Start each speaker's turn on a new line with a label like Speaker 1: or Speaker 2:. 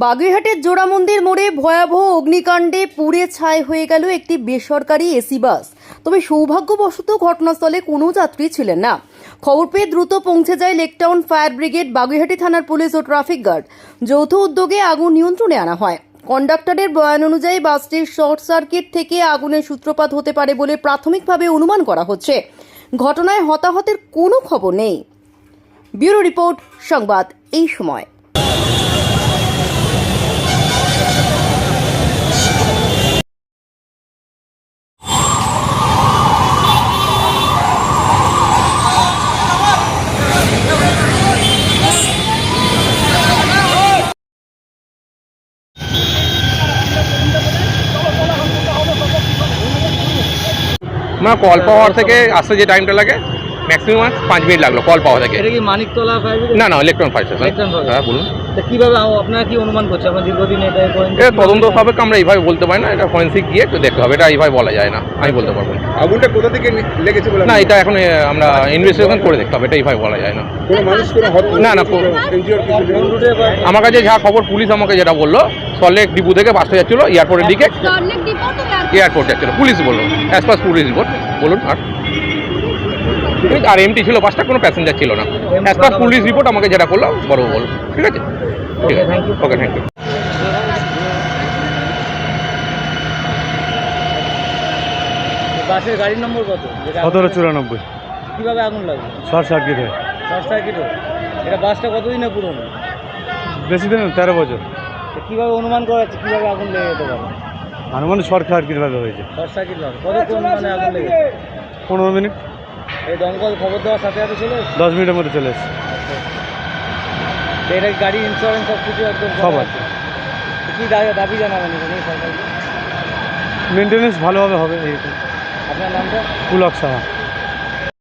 Speaker 1: বাগুইহাটের জোড়ামন্দির মোড়ে ভয়াবহ অগ্নিকাণ্ডে পুড়ে ছাই হয়ে গেল একটি বেসরকারি এসি বাস। তবে সৌভাগ্যবশত ঘটনাস্থলে কোনো যাত্রী ছিলেন না। খবর পেয়ে দ্রুত পৌঁছে যায় লেকটাউন ফায়ার ব্রিগেড, বাগুইহাটি থানার পুলিশ ও ট্রাফিক গার্ড। যৌথ উদ্যোগে আগুন নিয়ন্ত্রণে আনা হয়। কন্ডাক্টরের বয়ান অনুযায়ী বাসটির শর্ট সার্কিট থেকে আগুনের সূত্রপাত হতে পারে বলে প্রাথমিকভাবে অনুমান করা হচ্ছে। ঘটনায় হতাহতের কোনো খবর নেই। ব্যুরো রিপোর্ট, সংবাদ এই সময়।
Speaker 2: না, কল পাওয়ার থেকে আসতে যে টাইমটা লাগে ম্যাক্সিমাম 5 মিনিট লাগলো কল পাওয়া থেকে।
Speaker 3: এটা কি মানিকতলা ফায়ার ব্রিগেড?
Speaker 2: না, ইলেকট্রন ফায়ার স্টেশন। হ্যাঁ, বলুন।
Speaker 3: তা কিভাবে আপনারা কি অনুমান করছেন? আপনারা দীর্ঘদিন এটা
Speaker 2: তদন্ত হবে, আমরা এইভাবে বলতে পারি না, এটা ফরেন্সিক গিয়ে একটু দেখতে হবে, এটা এইভাবে বলা যায় না, আমি বলতে পারবো না।
Speaker 4: আগুনটা কোথা থেকে লেগেছে বলে?
Speaker 2: না, এটা এখন আমরা ইনভেস্টিগেশন করে দেখতে হবে, এটা এইভাবে বলা যায় না।
Speaker 4: কোনো মানুষ কোনো
Speaker 2: না, আমার কাছে যা খবর, পুলিশ আমাকে যেটা বললো, সল্টলেক ডিপো থেকে বাসটা যাচ্ছিলো এয়ারপোর্টের দিকে, এয়ারপোর্ট যাচ্ছিলো, পুলিশ বললো, অ্যাজ পার পুলিশ রিপোর্ট। বলুন। আর এমটি ছিল বাসটা, কোনো প্যাসেঞ্জার ছিল না, অ্যাজ পার পুলিশ রিপোর্ট আমাকে যেটা করলো বড় বল। ঠিক আছে, ঠিক আছে, ওকে, থ্যাংক ইউ।
Speaker 3: বাসের গাড়ির নম্বর কত?
Speaker 5: 1794।
Speaker 3: কিভাবে আগুন লাগবে?
Speaker 5: শর্ট সার্কিট হয়।
Speaker 3: Short circuit? এটা বাসটা কতদিনে পুরনো?
Speaker 5: বেশি দিন 13 বছর।
Speaker 3: কিভাবে অনুমান করা যাচ্ছে কিভাবে আগুন লেগে যেতে পারে?
Speaker 5: আনুমানিক শর্ট সার্কিট ভাবে হয়েছে।
Speaker 3: শর্ট সার্কিট ভাবে কতক্ষণ মানে আগুন লেগেছে?
Speaker 5: 15 মিনিট।
Speaker 3: এই দমকল খবর দেওয়ার সাথে সাথে চলে এসেছে?
Speaker 5: 10 মিনিটের মধ্যে চলে এসেছে।
Speaker 3: এটা গাড়ি ইন্স্যুরেন্স সব কিছু একদম
Speaker 5: সব আছে।
Speaker 3: কি দাবি জানাবেন সরকারকে?
Speaker 5: মেনটেন্যান্স ভালোভাবে হবে।
Speaker 3: আপনার নামটা?
Speaker 5: পুলক সাহা।